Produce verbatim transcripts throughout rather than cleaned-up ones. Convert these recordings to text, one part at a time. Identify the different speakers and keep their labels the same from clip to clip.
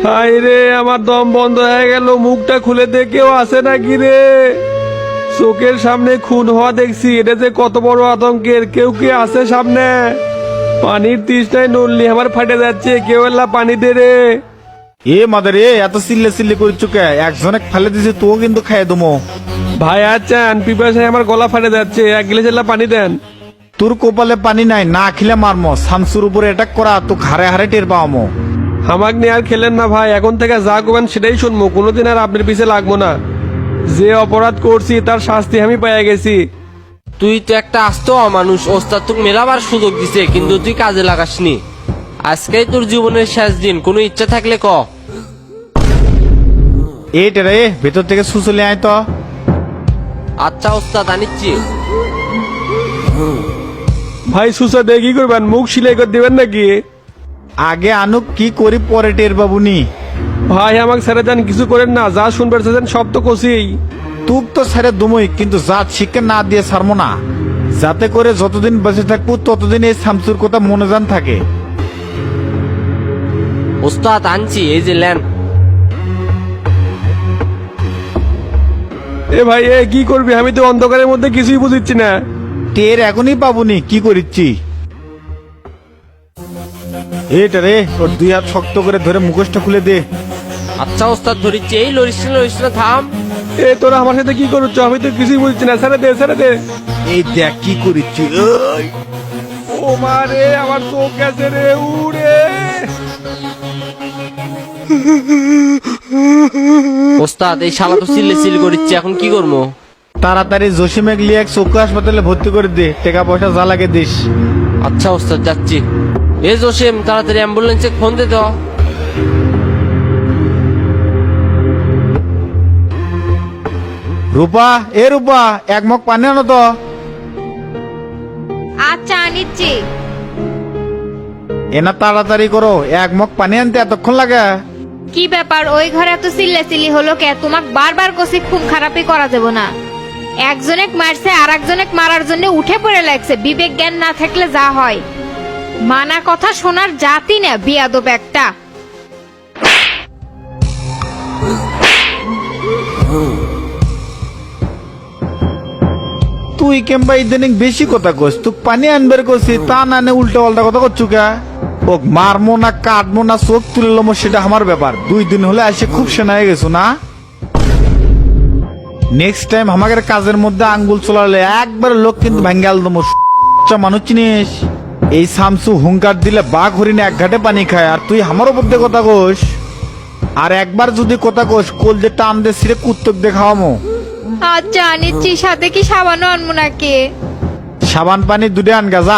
Speaker 1: High রে, আমার দম বন্ধ হয়ে গেল। মুখটা খুলে দে, কেউ আসে নাকি রে? চোখের সামনে খুন হওয়া দেখছি, এটা যে কত বড় আতঙ্কের। কেউ কি আছে সামনে? পানির তৃষ্ণায় নড়লি আমার ফাটে যাচ্ছে, কেউ এলা পানি দে রে।
Speaker 2: এ মাদার এ, এত চিল্লে চিল্লে করছো কে? একজনে ফেলে দিছে, তো কিন্তু খাইয়ে দমো।
Speaker 1: ভাই আছেন, পিপাসায় আমার গলা ফাটে যাচ্ছে, এক গিলাস এলা পানি দেন।
Speaker 2: তোর কপালে পানি নাই, না খেলে মারমো। শামসুর উপরে অ্যাটাক করা তো হারে হারে টের পাওয়ামো।
Speaker 1: হামাক নিয়ে আর খেলেন না ভাই, এখন থেকে যা করবেন সেটাই শুনবো, কোনোদিন আর আপনার পিছে লাগবো না। যে অপরাধ করছি তার শাস্তি আমি পেয়ে গেছি।
Speaker 3: তুই তো একটা আস্ত অমানুষ। ওস্তাদ তোকে মেলাবার সুযোগ দিছে, কিন্তু তুই কাজে লাগাসনি। আজকেই তোর জীবনের শেষ দিন, কোনো ইচ্ছা থাকলে ক।
Speaker 2: এইটা রে, ভেতর থেকে সুসলে আয় তো।
Speaker 3: আচ্ছা ওস্তাদ, আনিচ্ছি।
Speaker 1: ভাই সুসা দিয়ে কি করবেন? মুখ সিলাই করে দিবেন নাকি?
Speaker 2: আগে আনুক, কি করি পরে টের বাবুনি।
Speaker 1: ভাই আমাকে ছেড়ে দেন, কিছু করেন না। যা শুনবে চাচ্ছেন সব তো কষিই।
Speaker 2: তুক তো ছেড়ে দুমই, কিন্তু জাত শিক্ষা না দিয়ে ছাড়বো না। যাতে করে যতদিন বেঁচে থাকবো ততদিন এই শামসুর কথা মনে জান থাকে।
Speaker 3: ওস্তাদ আনছি, এই যে ল্যান।
Speaker 1: এ ভাই এ কি করবি? আমি তো অন্ধকারের মধ্যে কিছুই বুঝিচ্ছি না।
Speaker 2: টের এখনই পাবুনি, কি করিচ্ছি। এইটা রে, ওর দুই হাত শক্ত করে ধরে মুখোশটা খুলে দে।
Speaker 3: আচ্ছা ওস্তাদ ধরিচ্ছি। এই লরিস না লরিস না, থাম।
Speaker 1: এ তোরা আমার সাথে কি করছ? আমি তো কিছুই বুঝছি না। ছেড়ে দে, ছেড়ে দে।
Speaker 2: এই দেখ কি করিচ্ছি। ওই,
Speaker 1: ও মা রে, আমার চোখ গেছে রে, উড়ে।
Speaker 3: ওস্তাদ এই শালা তো চিল্লে চিল্লি করিচ্ছে, এখন কি করবো?
Speaker 2: তাড়াতাড়ি জসিমেক লিয়ে এক চক্ষু হাসপাতালে ভর্তি করে দে, টাকা পয়সা যা লাগে দিস।
Speaker 3: আচ্ছা ওস্তাদ, যাচ্ছি। এ জসিম, তাড়াতাড়ি অ্যাম্বুলেন্সে ফোন দে তো।
Speaker 2: রূপা, এ রূপা, এক মগ পানি আনো তো।
Speaker 4: আচ্ছা আনিচ্ছি।
Speaker 2: এনা তাড়াতাড়ি করো, এক মগ পানি আনতে এতক্ষণ লাগে?
Speaker 4: কি ব্যাপার, ওই ঘরে এত চিল্লাচিল্লি হলো কে? তোমাক বারবার কষি খুব খারাপই করা যাব না। একজনেক মারছে আর একজনেক মারার জন্য উঠে পড়ে লাগছে। বিবেক জ্ঞান না থাকলে যা হয়। মানা কথা শোনার জাতি না, বিয়াদব একটা।
Speaker 2: তুই কেমবা ইদানিং বেশি কথা কস। তুই পানি আনবার কছি, তা না নে উল্টা পাল্টা কথা করছু কে? ওক মারমো না কাটবো না চোখ তুলে লমো সেটা আমার ব্যাপার। দুই দিন হলে আসে খুব সেনা হয়ে গেছো না। নেক্সট টাইম আমাদের কাজের মধ্যে আঙ্গুল চলালে একবার লোক কিন্তু ভাঙ্গাল দমো। মানুষ চিনিস? এই শামসু হুঙ্কার দিলে বাঘ হরিণে এক ঘাটে পানি খায়, আর তুই আমার উপর দিয়ে কথা কোস। আর একবার যদি কথা কোস, কোল যে টান দে সিরে কুত্তক দেখাওয়ামো।
Speaker 4: আচ্ছা আনিচ্ছি। সাথে কি সাবানও আনবো নাকি?
Speaker 2: সাবান পানি দুটো আনগা যা।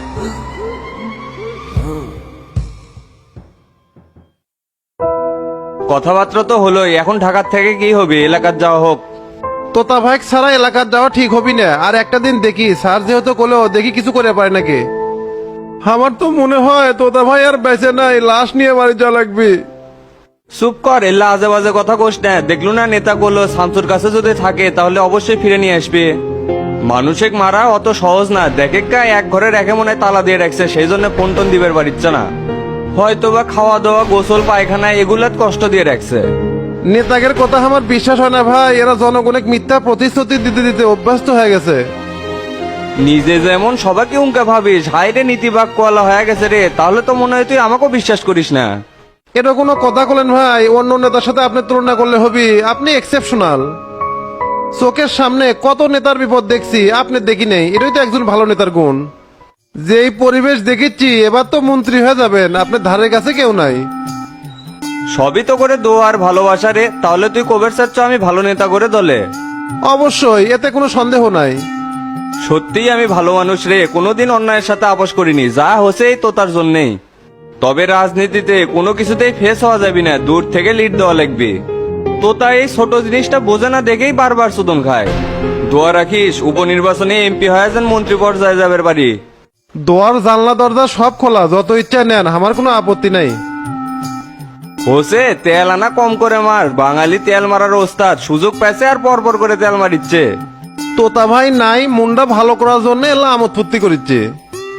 Speaker 5: কথাবার্তা তো হলোই, এখন ঢাকার থেকে কি হবে? এলাকার যাওয়া হোক।
Speaker 6: তোতা ভাই ছাড়া এলাকার যাওয়া ঠিক হবি না। আর একটা দিন দেখি, স্যার যেহেতু কোলেও দেখি কিছু করে পারে নাকি। আমার তো মনে হয় তোতা ভাই আর বেঁচে নাই, লাশ নিয়ে বাড়ি যাওয়া লাগবে।
Speaker 5: চুপ কর, এল্লা আজে বাজে কথা কোস না। দেখলো না নেতা করলো, শামসুর কাছে যদি থাকে তাহলে অবশ্যই ফিরে নিয়ে আসবে। মানুষেক মারা অত সহজ না। দেখে কা এক ঘরে রেখে মনে হয় তালা দিয়ে রাখছে, সেই জন্য ফোন টোন দিবার পারিচ্ছে না। হয়তো বা খাওয়া দাওয়া, গোসল, পায়খানা এগুলাত কষ্ট দিয়ে রাখছে।
Speaker 6: নেতাদের কথা আমার বিশ্বাস হয় না ভাই। এরা জনগণের মিথ্যা প্রতিশ্রুতি দিতে দিতে অভ্যস্ত হয়ে গেছে।
Speaker 5: নিজে যেমন সবাইকে উনকা ভাবিস, হাইরে নীতিবাক কোয়ালা হয়ে গেছে রে। তাহলে তো মনে হয় তুই আমাকেও বিশ্বাস করিস না।
Speaker 6: এটা কোনো কথা বলেন ভাই? অন্য নেতার সাথে আপনি তুলনা করলে হবি। আপনি এক্সেপশনাল। চোখের সামনে কত নেতার বিপদ দেখছি, আপনি দেখি নেই। এটাই তো একজন ভালো নেতার গুণ। যেই পরিবেশ দেখেছি, এবার তো মন্ত্রী হয়ে যাবেন। আপনার ধারের কাছে কেউ নাই।
Speaker 5: সবই তো করে দো আর ভালোবাসা রে। তাহলে তুই কবের চাচ্ছ আমি ভালো নেতা করে দলে?
Speaker 6: অবশ্যই, এতে কোনো সন্দেহ নাই।
Speaker 5: সত্যিই আমি ভালো মানুষ রে, কোনোদিন অন্যায়ের সাথে আপোষ করিনি। যা হসেই তো তার জন্যেই। তবে রাজনীতিতে কোনো কিছুতেই ফেস হওয়া যাবে না, দূর থেকে লিড দেওয়া লাগবে। তো তাই এই ছোট জিনিসটা বোঝে না দেখেই বারবার সুদন খায়। দোয়া রাখিস উপনির্বাচনে এমপি হয়ে যান, মন্ত্রী পর্যায়ে যাবের বাড়ি।
Speaker 6: দোয়ার জানলা দরজা সব খোলা, যত ইচ্ছা নেন, আমার কোনো আপত্তি নাই।
Speaker 5: হোসে তেল আনা কম করে মার। বাঙালি তেল মারার ওস্তাদ, সুযোগ পাইছে আর পর পর করে তেল মারিচ্ছে।
Speaker 6: তোতা ভাই নাই, মুন্ডা ভালো করার জন্য এলা আমোদ ফুর্তি করিচ্ছে।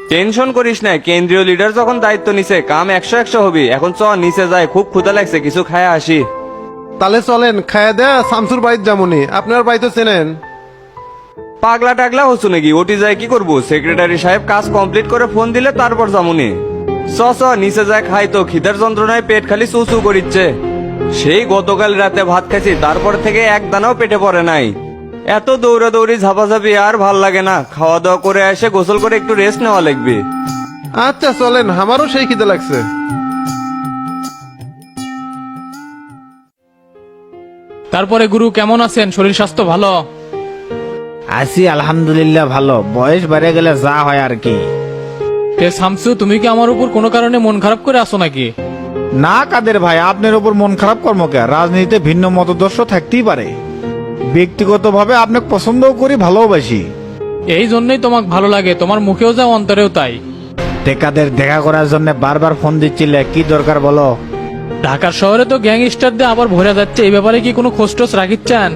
Speaker 5: টেনশন করিস না, কেন্দ্রীয় লিডার যখন দায়িত্ব নিছে কাম একশো একশো হবি। এখন চ নিচে যায়, খুব ক্ষুধা লাগছে, কিছু খায় আসি।
Speaker 6: তাহলে চলেন, খায়া দেয়া শামসুর বাড়ির যেমনই, আপনার বাড়ি তো চেনেন।
Speaker 5: পাগলা টাগলা হচ্ছ নাকি? ওটি যায় কি করবো? সেক্রেটারি সাহেব কাজ কমপ্লিট করে ফোন দিলে তারপর যামুনি। চ চ নিচে যায় খাই তো, খিদার যন্ত্রণায় পেট খালি চুচু করিচ্ছে। সেই গতকাল রাতে ভাত খাইছি, তারপর থেকে এক দানাও পেটে পড়ে নাই। এত দৌড়াদৌড়ি ঝাপাঝাপি আর ভাল লাগে না। খাওয়া দাওয়া করে এসে গোসল করে একটু রেস্ট নেওয়া লাগবে।
Speaker 6: আচ্ছা চলেন, আমারও সেই খিদে লাগছে।
Speaker 7: তারপরে গুরু কেমন আছেন? শরীর স্বাস্থ্য ভালো?
Speaker 2: আছি আলহামদুলিল্লাহ ভালো। বয়স বেড়ে গেলে যা হয় আর কি।
Speaker 7: তে শামসু, তুমি কি আমার উপর কোনো কারণে মন খারাপ করে আসো নাকি?
Speaker 2: না কাদের ভাই, আপনার ওপর মন খারাপ কর্মকে। রাজনীতিতে ভিন্ন মতদর্শ থাকতেই পারে, ব্যক্তিগতভাবে আপনাকে পছন্দও করি, ভালোবাসি।
Speaker 7: এই জন্যই তোমাকে ভালো লাগে, তোমার মুখেও যা অন্তরেও তাই।
Speaker 2: টেকাদের দেখা করার জন্য বারবার ফোন দিচ্ছিলে, কি দরকার বলো?
Speaker 7: ঢাকার শহরে তো গ্যাংস্টার দিয়ে আবার ভরে যাচ্ছে, এই ব্যাপারে কি কোনো খোঁজ টোজ রাখিচ্ছেন?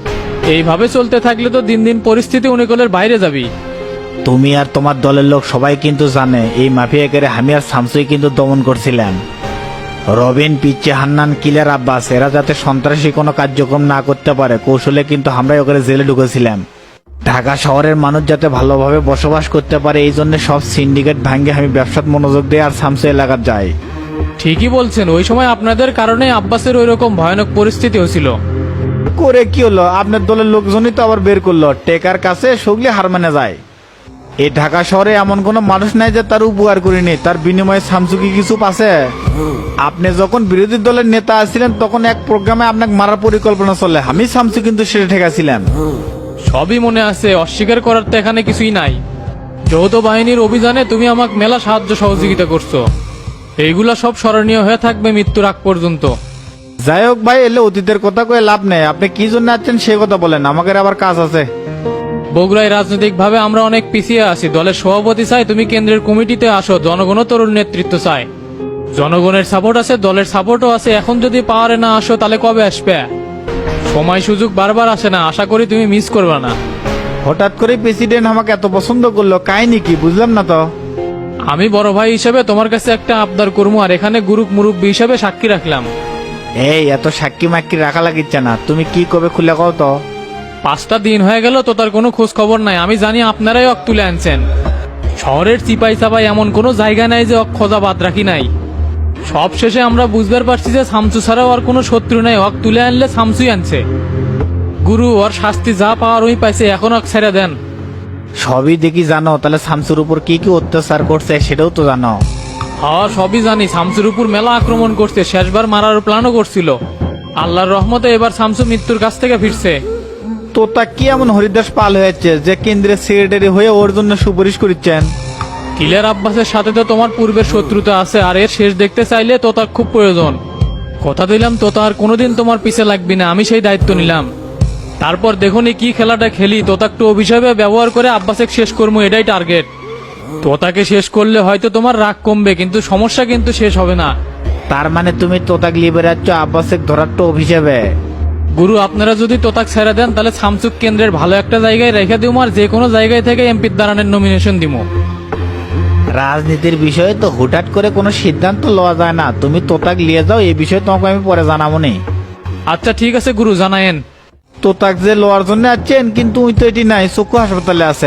Speaker 7: এইভাবে চলতে থাকলে তো দিন দিন পরিস্থিতি অনুকূলের বাইরে যাবি।
Speaker 2: তুমি আর তোমার দলের লোক সবাই কিন্তু জানে এই মাফিয়াকে আমি আর শামসুই কিন্তু দমন করছিলাম। রবিন, পিচ্ছে, হান্নান, কিলার, আব্বাস এরা যাতে সন্ত্রাসী কোনো কার্যক্রম না করতে পারে কৌশলে কিন্তু আমরাই ওকে জেলে ঢুকেছিলাম। ঢাকা শহরের মানুষ যাতে ভালোভাবে বসবাস করতে পারে এই জন্য সব সিন্ডিকেট ভাঙ্গে আমি ব্যবসাত মনোযোগ দিয়ে আর শামসু এলাকার যাই।
Speaker 7: ঠিকই বলছেন, ওই সময় আপনাদের কারণে আব্বাসের ওই রকম ভয়ানক পরিস্থিতি হয়েছিল।
Speaker 2: করে কি হলো? আপনার দলের লোকজনই তো আবার বের করলো। টেকার কাছে সগলি হার মানে যায়। এই ঢাকা শহরে এমন কোনো মানুষ নাই যে তার উপকার করিনি, তার বিনিময়ে শামসু কি কিছু পাচ্ছে? আপনি যখন বিরোধী দলের নেতা আছিলেন তখন এক প্রোগ্রামে আপনাকে মারার পরিকল্পনা চলে, আমি শামসু কিন্তু সেটা ঠেকাছিলাম।
Speaker 7: সবই মনে আছে, অস্বীকার করার তো এখানে কিছুই নাই। যৌথ বাহিনীর অভিযানে তুমি আমাকে মেলা সাহায্য সহযোগিতা করছো, এইগুলা সব স্মরণীয় হয়ে থাকবে মৃত্যুর আগ পর্যন্ত।
Speaker 2: যাই হোক ভাই, এলে অতীতের কথা কয়ে লাভ নেই। আপনি কি জন্য আছেন সে কথা বলেন, আমাদের আবার কাজ আছে।
Speaker 7: বগুড়ায় রাজনৈতিক ভাবে আমরা অনেক পিছিয়ে আছি। দলের সভাপতি চাই তুমি কেন্দ্রের কমিটিতে আসো, জনগণও তরুণ নেতৃত্ব চায়। জনগণের সাপোর্ট আছে, দলের সাপোর্টও আছে। এখন যদি পাওয়ারে না আসো তাহলে কবে আসবে? সময় সুযোগ বারবার আসে না, আশা করি তুমি মিস করবে না।
Speaker 2: হঠাৎ করে প্রেসিডেন্ট আমাকে এত পছন্দ করলো, কাহিনী কি বুঝলাম না তো।
Speaker 7: আমি বড় ভাই হিসেবে তোমার কাছে একটা আবদার করবো, আর এখানে গুরুক মুরুব্বী হিসেবে সাক্ষী রাখলাম।
Speaker 2: এই এত সাক্ষী মাক্ষী রাখা লাগিচ্ছে না, তুমি কি কবে খুলে কও তো।
Speaker 7: পাঁচটা দিন হয়ে গেল তো তার কোনো খোঁজ খবর নাই। আমি জানি আপনারাই অক তুলে আনছেন। শহরের চিপাই চাপাই এমন কোনো জায়গা নাই যে অক খোঁজা বাদ রাখি নাই। সব শেষে আমরা বুঝবার পারছি যে শামসু ছাড়াও আর কোনো শত্রু নাই, অক তুলে আনলে শামসুই আনছে। গুরু ওর শাস্তি যা পাওয়ার ওই পাইছে, এখন অক ছেড়ে দেন।
Speaker 2: সবই দেখি জানো, তাহলে শামসুর উপর কি কি অত্যাচার করছে সেটাও তো জানো।
Speaker 7: হ্যাঁ সবই জানি, শামসুর উপর মেলা আক্রমণ করছে, শেষবার মারার প্ল্যানও করছিল। আল্লাহর রহমতে এবার শামসু মৃত্যুর কাছ থেকে ফিরছে।
Speaker 2: তো তা কি এমন হরিদাস পাল হয়েছে যে কেন্দ্রের সেক্রেটারি হয়ে ওর জন্য সুপারিশ করছেন?
Speaker 7: কিলার আব্বাসের সাথে তো তোমার পূর্বের শত্রুতা আছে, আর এর শেষ দেখতে চাইলে তো তার খুব প্রয়োজন। কথা দিলাম তো তার কোনোদিন তোমার পিছে লাগবি না, আমি সেই দায়িত্ব নিলাম। তারপর দেখুন কি খেলাটা খেলি, তোতা একটু অভিশাপে ব্যবহার করে আব্বাসে শেষ করবো, এটাই টার্গেট। তোতাকে শেষ করলে হয়তো তোমার রাগ কমবে, কিন্তু সমস্যা কিন্তু শেষ হবে না।
Speaker 2: তার মানে তুমি তোতাক লিয়ে বেড়াচ্ছ আব্বাসে ধরার তো অভিশাপে?
Speaker 7: গুরু আপনারা যদি তোতাক ছেড়ে দেন তাহলে শামসুক কেন্দ্রের ভালো একটা জায়গায় রেখে দিব, আর যে কোনো জায়গায় থেকে এমপির দাঁড়ানোর নমিনেশন দিব।
Speaker 2: রাজনীতির বিষয়ে তো হুটহাট করে কোনো সিদ্ধান্ত লওয়া যায় না। তুমি তোতাক লিয়ে যাও, এই বিষয়ে তোমাকে আমি পরে জানাবো নি।
Speaker 7: আচ্ছা ঠিক আছে গুরু, জানায়েন।
Speaker 2: তোতাক যে লওয়ার জন্য আছেন, কিন্তু উই তো এটি নাই, চক্ষু হাসপাতালে আছে।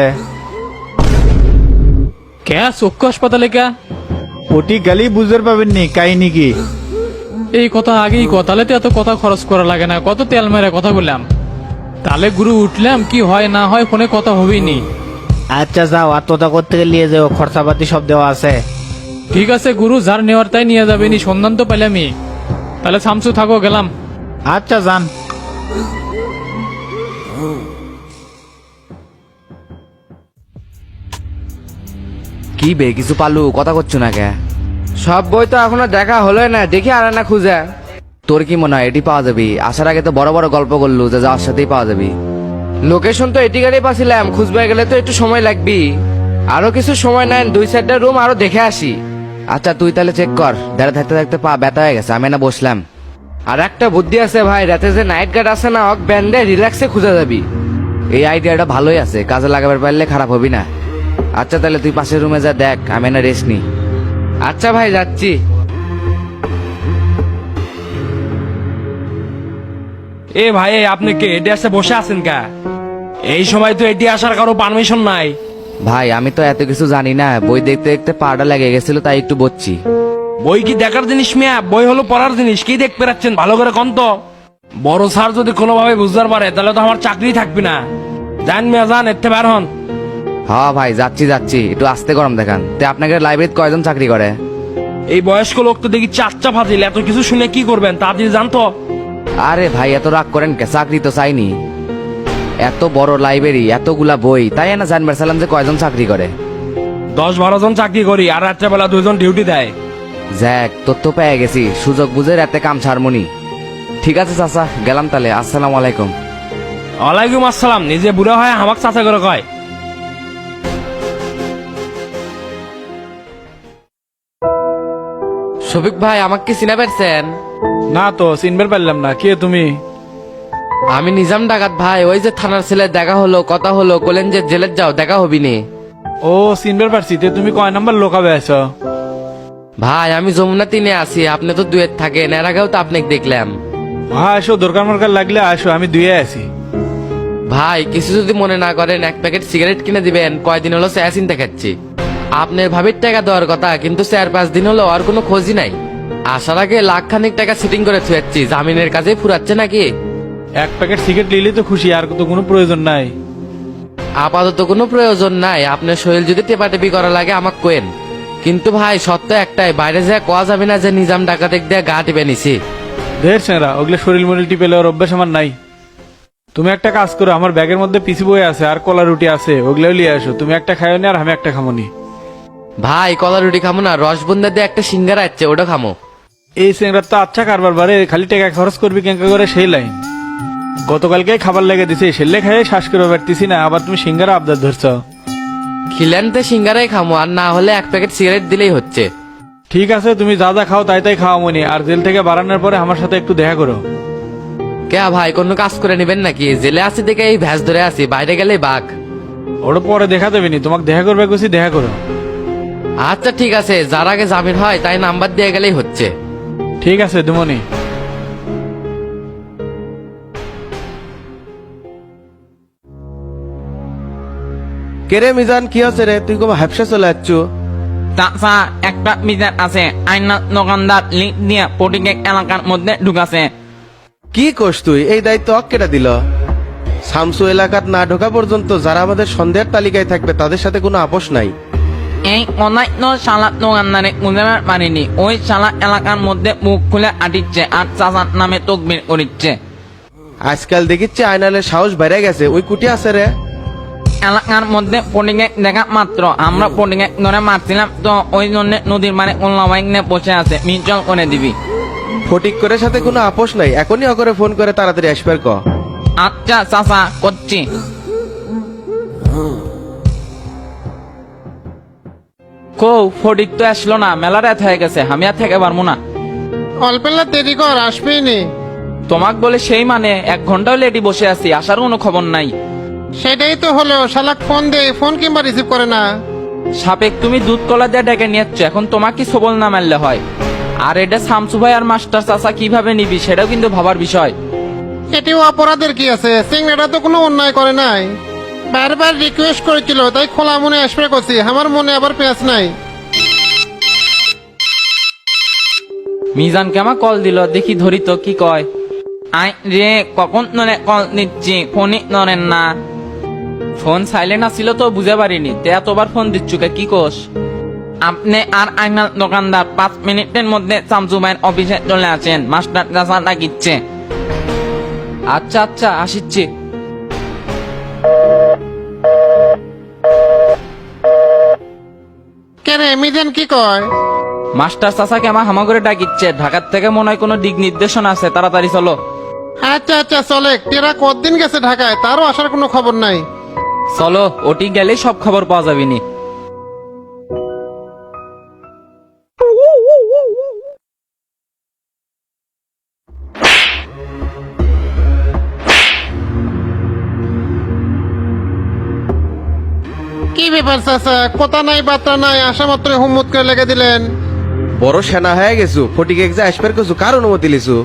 Speaker 7: কে চক্ষু হাসপাতালে কে?
Speaker 2: ওটি গালি বুঝতে পাবেন নি, কাহিনী কি?
Speaker 7: এই কথা আগেই কথা, তাহলে তো এত কথা খরচ করা লাগে না, কত তেল মেরে কথা বললাম। তাহলে গুরু উঠলাম, কি হয় না হয় ফোনে কথা হবেই নি।
Speaker 2: আচ্ছা যাও, আর তোতা করতে নিয়ে যাও, খরচাপাতি সব দেওয়া আছে।
Speaker 7: ঠিক আছে গুরু, যার নেওয়ার তাই নিয়ে যাবে নি, সন্ধান তো পেলামই। তাহলে শামসু থাকো, গেলাম।
Speaker 2: আচ্ছা যান।
Speaker 8: কি বে কিছু পালু কথা করছো না কে?
Speaker 3: সব বই তো এখনো দেখা হলো না, দেখি আর না খুঁজে।
Speaker 8: তোর কি মনে হয় এটি পাওয়া যাবে? আসার আগে তো বড় বড় গল্প করলু যে যাওয়ার সাথেই পাওয়া যাবে।
Speaker 3: লোকেশন তো এটি গাড়ি পাচ্ছিলাম, খুঁজবে গেলে তো একটু সময় লাগবে। আরো কিছু সময় নেন, দুই চারটা রুম আরো দেখে আসি।
Speaker 8: আচ্ছা তুই তাহলে চেক কর, দাঁড়া থাকতে থাকতে পা ব্যথা হয়ে গেছে, আমি না বসলাম।
Speaker 3: আর একটা বুদ্ধি আছে ভাই, রাতে যে নাইট গার্ড আছে না, অক ব্যান্ডে রিল্যাক্সে খুঁজে যাবি।
Speaker 8: এই আইডিয়াটা ভালোই আছে, কাজে লাগাবার পারলে খারাপ হবি না। আচ্ছা তাহলে তুই পাশের রুমে যা দেখ, আমি না রেস্ট নি।
Speaker 3: আচ্ছা ভাই, যাচ্ছি।
Speaker 1: এ ভাই, এই আপনি কে এটি আসে বসে আছেন কা? এই সময় তো এটি আসার কারো পারমিশন নাই।
Speaker 8: ভাই আমি তো এত কিছু জানি না, বই দেখতে দেখতে পাটা লেগে গেছিল তাই একটু বসছি।
Speaker 1: বই কি দেখার জিনিস মিয়া? বই হলো পড়ার জিনিস। কি দেখতে পাচ্ছেন ভালো করে কোন তো? বড় স্যার যদি কোনোভাবে বুঝতে পারে তাহলে তো আমার চাকরি থাকবে না। জান মিয়া জান, এতে বের হন।
Speaker 8: হ্যাঁ ভাই যাচ্ছি যাচ্ছি, একটু আস্তে গরম দেখান। তে আপনাকে লাইব্রেরিতে কয়জন চাকরি করে?
Speaker 1: এই বয়স্ক লোক তো দেখি চাচ্চা ফাজিল, এত কিছু শুনে কি করবেন তাড়াতাড়ি জানতো।
Speaker 8: আরে ভাই এত রাগ করেন কে? চাকরি তো চাইনি। এত বড় লাইব্রেরি, এতগুলা বই, তাই না জানবার চাইলাম যে কয়জন চাকরি করে।
Speaker 1: দশ বারো জন চাকরি করি, আর রাত্রেবেলা দুইজন ডিউটি দেয়।
Speaker 8: জ্যাক তথ্য পেয়ে গেছি, সুযোগ বুঝে রাতে কাম ছাড়মনি। ঠিক আছে চাচা, গেলাম তাহলে। আসসালামু আলাইকুম।
Speaker 1: ওয়ালাইকুম আসসালাম। নিজে বুড়া হয় আমাকে চাচা করে কয়।
Speaker 3: শফিক ভাই, আমাকে কি চিনা পারছেন?
Speaker 2: না তো চিনবার পারলাম না, কে তুমি?
Speaker 3: আমি নিজাম ডাকাত ভাই। ওই যে থানার ছেলে দেখা হলো, কথা হলো, বলেন যে জেলের যাও, দেখা হবি নি।
Speaker 2: ও চিনবার পারছি। তে তুমি কয় নাম্বার লোকাবে আছো?
Speaker 3: ভাই আমি যমুনা তিনে আছি, আপনি তো দুয়ের থাকেন, এর আগেও তো আপনাকে দেখলাম।
Speaker 2: হ্যাঁ আসো, দরকার মরকার লাগলে আসো, আমি দুয়ে আছি।
Speaker 3: ভাই কিছু যদি মনে না করেন, এক প্যাকেট সিগারেট কিনে দিবেন। কয়দিন হলো চা চিন্তা খাচ্ছি। আপনার ভাবির টাকা দেওয়ার কথা, কিন্তু চার পাঁচ দিন হলো আর কোনো খোঁজই নাই। আসার আগে লাখ খানিক টাকা সেটিং করে থুয়াচ্ছি, জামিনের কাজে ফুরাচ্ছে নাকি?
Speaker 2: এক প্যাকেট সিগারেট নিলে তো খুশি, আর তো কোনো প্রয়োজন নাই।
Speaker 3: আপাতত কোনো প্রয়োজন নাই। আপনার শরীর যদি টেপাটেপি করা লাগে আমাকে কোয়েন। কিন্তু ভাই সত্য একটাই, বাইরে যা কোয়া যাবে না যে নিজাম ডাকাতেক দিয়ে গা টিপে নিছি।
Speaker 2: ঢের সেরা, ওগুলো শরীর মরিল টিপে লেওয়ার অভ্যাস আমার নাই। তুমি একটা কাজ করো, আমার ব্যাগের মধ্যে পিসি বই আছে আর কলা রুটি আছে, ওগুলো নিয়ে আসো। তুমি একটা খাইও নি আর আমি একটা খামোনি।
Speaker 3: ভাই কলা রুটি খামো না, রসবন্দা দিয়ে একটা সিঙ্গারা আছে, ওটা খামো।
Speaker 2: এই সিংড়ার তো আচ্ছা কারবার বারে, খালি টাকা খরচ করবি কেঙ্কা করে সেই লাইন। গতকালকে খাবার লেগে দিছে, সেলে খাইয়ে শ্বাস করে পারতেছি না, আবার তুমি সিঙ্গারা আবদার ধরছ।
Speaker 3: খিলেনতে সিঙ্গারাই খামো, আর না হলে এক প্যাকেট সিগারেট দিলেই হচ্ছে।
Speaker 2: ঠিক আছে, তুমি যা যা খাও তাই তাই খাওয়া মনি। আর জেল থেকে বাড়ানোর পরে আমার সাথে একটু দেখা করো।
Speaker 3: কে ভাই কোনো কাজ করে নেবেন নাকি? জেলে আছি দেখে এই ভ্যাস ধরে আছি, বাইরে গেলেই বাঘ।
Speaker 2: ওটা পরে দেখা দেবে নি, তোমাকে দেখা করবে কুছি, দেখা করো।
Speaker 3: আচ্ছা ঠিক আছে, যার আগে জামিন হয় তাই নাম্বার দিয়ে গেলেই হচ্ছে।
Speaker 2: ঠিক আছে দুমনি।
Speaker 9: কেরে মিজান, কি হচ্ছে রে? তুই কবে হাফসা চলে যাচ্ছ?
Speaker 10: চাচা একটা বিচার আছে, আইনা দোকানদার লিখ দিয়ে পটিকেক এলাকার মধ্যে ঢুকাছে।
Speaker 9: কি করছ তুই? এই দায়িত্ব অক কেটা দিল? শামসু এলাকাত না ঢোকা পর্যন্ত যারা আমাদের সন্দেহের তালিকায় থাকবে তাদের সাথে কোনো আপোষ নাই।
Speaker 10: এই অনাই তো শালা দোকানদারে বুঝাবার পারিনি। ওই শালা এলাকার মধ্যে মুখ খুলে আটিচ্ছে আর চাচার নামে তকবির করিচ্ছে।
Speaker 9: আজকাল দেখিচ্ছে আয়নালের সাহস বেড়ে গেছে। ওই কুটি আছে রে?
Speaker 10: এলাকার মধ্যে পটিকেক দেখা মাত্র আমরা পটিকেক ধরে মারছিলাম, তো ওই জন্য নদীর মানে কল্লা বাইক নিয়ে বসে আছে, মিচল করে দিবি।
Speaker 9: ফটিক করে সাথে কোনো আপোষ নাই। এখনই অকরে ফোন করে তাড়াতাড়ি আসবার ক।
Speaker 10: আচ্ছা চাচা, করছি। কৌ ফটিক তো আসলো না, মেলা রাত হয়ে গেছে, আমি আর থেকে পারবো না।
Speaker 6: অল্পেলা দেরি কর, আসবেই নি।
Speaker 10: তোমাক বলে সেই মানে এক ঘন্টাও লেটি বসে আছি, আসার কোনো খবর নাই।
Speaker 6: সেটাই তো হলো, শালাক ফোন দে, ফোন কিংবা রিসিভ করে না।
Speaker 10: সাপেক তুমি দুধ কলা দিয়ে ডেকে নিয়েছ, এখন তোমাকে সবল না মারলে হয়। আর এটা শামসু ভাই আর মাস্টার চাচা কিভাবে নিবি সেটাও কিন্তু ভাবার বিষয়।
Speaker 6: এটিও অপরাধের কি আছে? সিংড়াটা তো কোনো অন্যায় করে নাই। বারবার রিকোয়েস্ট করেছিল, তাই খোলা মনে আসবে করছি। আমার মনে আবার পেঁচ নাই।
Speaker 10: মিজান কেমা কল দিল, দেখি ধরি তো কি কয়। আই রে, কখন নরে কল দিচ্ছি, ফোনই নরেন না। ফোন সাইলেন্ট আসছিল তো বুঝে পারিনি, তে এতবার ফোন দিচ্ছুকে কি কোষ? আপনি আর আইনাল দোকানদার পাঁচ মিনিটের মধ্যে শামসু ভাইয়ের অফিসে চলে আসেন, মাস্টার চাচা ডাকিচ্ছে। আচ্ছা আচ্ছা আসিচ্ছি।
Speaker 6: কেরে মিজান কি কয়?
Speaker 10: মাস্টার চাচাকে আমার হামা করে ডাকিচ্ছে, ঢাকার থেকে মনে হয় কোনো দিক নির্দেশনা আছে, তাড়াতাড়ি চলো।
Speaker 6: আচ্ছা আচ্ছা চলে। তেরা কতদিন গেছে ঢাকায়, তারও আসার কোনো খবর নাই।
Speaker 10: চলো, ওটি গেলেই সব খবর পাওয়া যাবে নি।
Speaker 6: কি ব্যাপার চাচা, কথা নাই বার্তা নাই, আসা মাত্র হুম্মত করে লেগে দিলেন।
Speaker 9: বড় সেনা হয়ে গেছু, ফটিকে যে আসবার কিছু কার অনুমতি লিছু?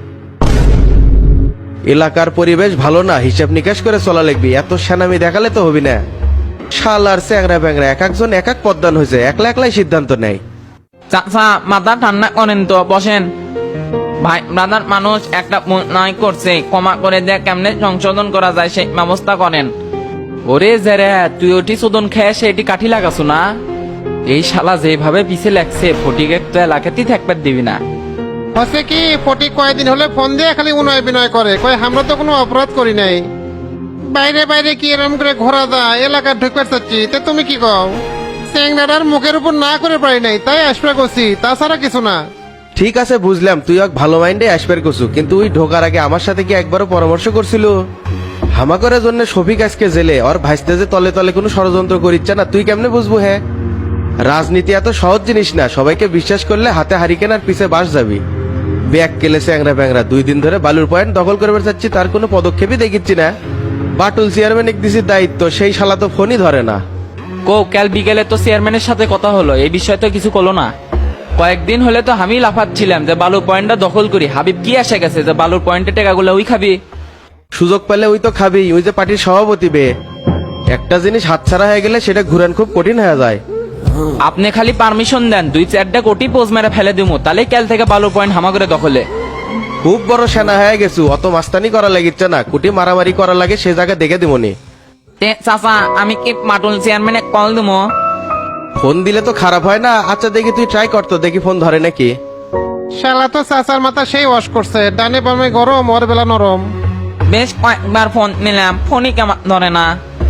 Speaker 9: এলাকার পরিবেশ ভালো না, হিসাব নিকাশ করে চলা লাগবি, এত সেনামি দেখালে তো হবি না। শালার চ্যাংরা ব্যাংরা এক একজন এক এক পদ্মান হয়েছে, একলা একলাই সিদ্ধান্ত নেয়।
Speaker 10: চাচা মাথা ঠান্ডা করেন তো, বসেন। ভাই ব্রাদার মানুষ একটা ভুল নয় করছে, ক্ষমা করে দিয়ে কেমনে সংশোধন করা যায় সেই ব্যবস্থা করেন। ওরে জেরে তুই ওটি শোধন খেয়ে সেটি কাঠি লাগাছো না? এই শালা যেভাবে পিছে লাগছে ফটিকে তো এলাকাতেই থাকবার দিবি না।
Speaker 6: হচ্ছে কি, ফটিক কয়েকদিন হলে ফোন দিয়ে খালি উনয় বিনয় করে, কয় আমরা তো কোনো অপরাধ করি নাই। বাইরে বাইরে কি এরম করে ঘোরা যায়, এলাকা ঢুকবার চাচ্ছি, তে তুমি কি কও? চ্যাংরাটার মুখের উপর না করে পারি নাই, তাই আসবে করছি, তাছাড়া কিছু না।
Speaker 9: ঠিক আছে বুঝলাম, তুই এক ভালো মাইন্ডে আসবার কছু, কিন্তু ওই ঢোকার আগে আমার সাথে কি একবারও পরামর্শ করছিল? হামাকরের জন্য শফিক আজকে জেলে, ওর ভাইস্তে যে তলে তলে কোনো ষড়যন্ত্র করিচ্ছে না, তুই কেমনে বুঝবো? হ্যাঁ, রাজনীতি এত সহজ জিনিস না, সবাইকে বিশ্বাস করলে হাতে হারিকেন আর পিছে বাস যাবি। ব্যাগ কেলেছে অ্যাংরা ব্যাংরা, দুই দিন ধরে বালুর পয়েন্ট দখল করবার চাচ্ছি, তার কোনো পদক্ষেপই দেখিচ্ছি না। বাটুল চেয়ারম্যান এক দিছি দায়িত্ব, সেই শালা তো ফোনই ধরে না।
Speaker 10: কো কাল বিকেলে তো চেয়ারম্যানের সাথে কথা হলো, এই বিষয়ে তো কিছু করলো না। কয়েকদিন হলে তো আমি লাফাচ্ছিলাম যে বালুর পয়েন্টটা দখল করি, হাবিব কি আসে গেছে যে বালুর পয়েন্টের টাকাগুলো ওই খাবি?
Speaker 9: সুযোগ পেলে ওই তো খাবি, ওই যে পার্টির সভাপতি বে। একটা জিনিস হাতছাড়া হয়ে গেলে সেটা ঘুরান খুব কঠিন হয়ে যায়।
Speaker 10: আপনি খালি পারমিশন দেন, দুই চারটা কোটি পোজ মেরে ফেলে দিমু, তাহলে কাল থেকে বালুর পয়েন্ট হামা করে দখলে।
Speaker 9: খুব বড় সেনা হয়ে গেছু, অত মাস্তানি করা লাগিচ্ছে না, কুটি মারামারি করা লাগে সে জায়গা দেখে দিমনি।
Speaker 10: তে চাচা আমি কি মাটুল চেয়ারম্যানে কল দিমু?
Speaker 9: ফোন দিলে তো খারাপ হয় না। আচ্ছা দেখি তুই ট্রাই করতো, দেখি ফোন ধরে নাকি।
Speaker 6: শালা তো চাচার মাথা সেই ওয়াশ করছে, ডানে বামে গরম, ওর বেলা নরম।
Speaker 10: বেশ কয়েকবার ফোন নিলাম, ফোনই কেমন ধরে না।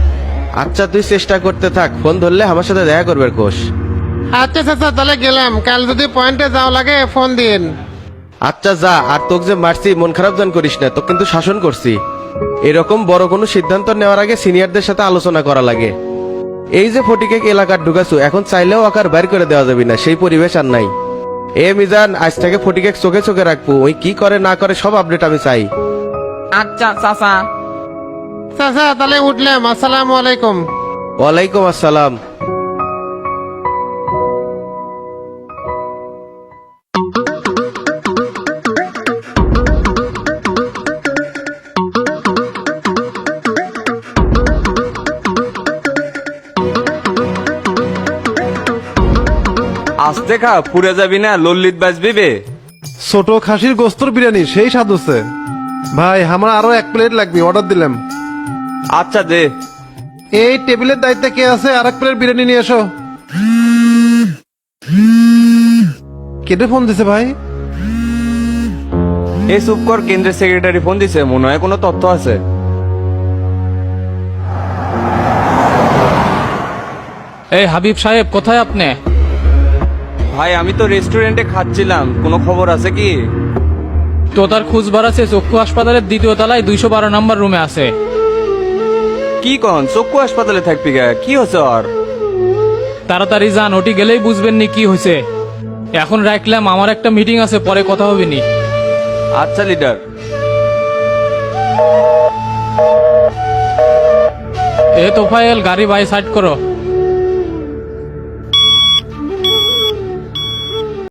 Speaker 9: আচ্ছা তুই চেষ্টা করতে থাক, ফোন ধরলে আমার সাথে দেখা করবে কোষ।
Speaker 6: আচ্ছা চাচা, তাহলে গেলাম, কাল যদি পয়েন্টে যাও লাগে ফোন দিন।
Speaker 9: আচ্ছা যা, আর তোকে যে মারছি মন খারাপ জান করিস না, তোকে কিন্তু শাসন করছি। এরকম বড় কোনো সিদ্ধান্ত নেওয়ার আগে সিনিয়রদের সাথে আলোচনা করা লাগে। এই যে ফটিকে এলাকার ঢুকাছু, এখন চাইলেও আকার বাইর করে দেওয়া যাবে না, সেই পরিবেশ আর নাই। এ মিজান, আজ থেকে ফটিকে চোখে চোখে রাখবো, ওই কি করে না করে সব আপডেট আমি চাই।
Speaker 10: আচ্ছা চাচা।
Speaker 6: চাচা তাহলে উঠলাম, আসসালামু আলাইকুম।
Speaker 9: ওয়ালাইকুম আসসালাম।
Speaker 5: আস্তে খা, পুড়ে যাবি না, লল্লিত বাজবি বে।
Speaker 6: ছোট খাসির গোস্তর বিরিয়ানি সেই স্বাদ হচ্ছে। ভাই আমার আরো এক প্লেট লাগবে, অর্ডার দিলাম।
Speaker 5: আচ্ছা দে।
Speaker 6: এই টেবিলের দায়িত্বে কে আছে, আর এক প্লেট বিরিয়ানি নিয়ে এসো। কেটে ফোন দিছে ভাই?
Speaker 5: এই চুপ কর, কেন্দ্রের সেক্রেটারি ফোন দিছে, মনে হয় কোনো তথ্য আছে।
Speaker 7: এই হাবিব সাহেব, কোথায় আপনি?
Speaker 5: ভাই আমি তো রেস্টুরেন্টে খাচ্ছিলাম, কোনো খবর আছে কি?
Speaker 7: তো তার খোঁজ বাড়াচ্ছে, চক্ষু হাসপাতালের দ্বিতীয় তলায় দুইশো বারো নম্বর রুমে আছে।
Speaker 5: কি কন, চক্ষু হাসপাতালে থাকবি গা, কি হচ্ছে আর?
Speaker 7: তাড়াতাড়ি যান, ওটি গেলেই বুঝবেন নি কি হয়েছে। এখন রাখলাম, আমার একটা মিটিং আছে, পরে কথা হবে নি।
Speaker 5: আচ্ছা লিডার।
Speaker 7: এ তোফায়েল, গাড়ি বাই সাইড করো।